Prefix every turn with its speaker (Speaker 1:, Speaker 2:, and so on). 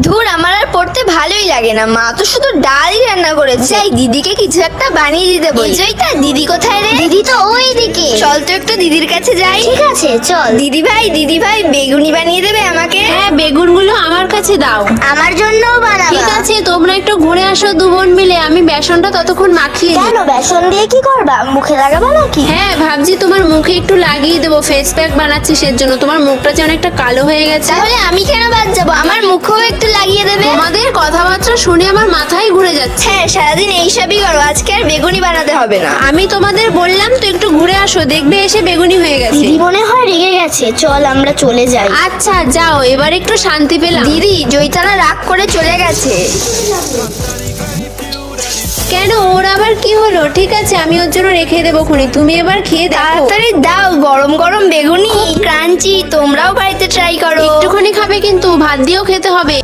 Speaker 1: ধুর, আমার আর পড়তে ভালোই লাগে না, মা তো শুধু ডালই রান্না করেছে। যাই দিদিকে কিছু একটা বানিয়ে দিতে বলি। জয়িতা, দিদি কোথায় রে?
Speaker 2: দিদি তো ওই দিকে।
Speaker 1: চল তো একটু দিদির কাছে যাই।
Speaker 2: ঠিক আছে চল।
Speaker 1: দিদি ভাই বেগুনি বানিয়ে দেবে আমাকে?
Speaker 3: হ্যাঁ, বেগুনগুলো আমার কাছে দাও।
Speaker 2: আমার জন্যও বানাবা?
Speaker 3: ঠিক আছে, তোমরা একটু ঘুরে আসো দু বোন মিলে, আমি বেসনটা ততক্ষণ মাখিয়ে দিই।
Speaker 2: কেন, বেসন দিয়ে কি করবা? মুখে লাগাবা নাকি?
Speaker 3: হ্যাঁ, ভাবছি তোমার মুখে একটু লাগিয়ে দেবো, ফেস প্যাক বানাচ্ছি সেজন্য। তোমার মুখটা যে অনেকটা কালো হয়ে গেছে।
Speaker 1: তাহলে আমি কেন বাদ যাবো? আমার মুখেও একটু লাগিয়ে দেবে।
Speaker 3: তোমাদের কথাবার্তা শুনে আমার মাথায় ঘুরে যাচ্ছে।
Speaker 1: হ্যাঁ, সারাদিন এইসবই করো, আজকে আর বেগুনি বানাতে হবে না।
Speaker 3: আমি তোমাদের বললাম তো একটু ঘুরে আসো, দেখবে এসে বেগুনি হয়ে গেছে।
Speaker 2: দিদি মনে হয় রেগে গেছে, চল আমরা চলে যাই।
Speaker 3: আচ্ছা যাও, এবার একটু শান্তি পেলাম।
Speaker 1: দিদি, জয়িতানা রাগ করে চলে গেছে।
Speaker 3: কেন, ওর আবার কি হলো? ঠিক আছে, আমি ওর জন্য রেখে দেবো খুনি, তুমি এবার খেয়ে দেখো।
Speaker 1: তাড়াতাড়ি দাও, গরম গরম বেগুনি ক্রাঞ্চি, তোমরাও বাড়িতে ট্রাই করো।
Speaker 3: একটুখানি খাবে কিন্তু, ভাত দিয়েও খেতে হবে।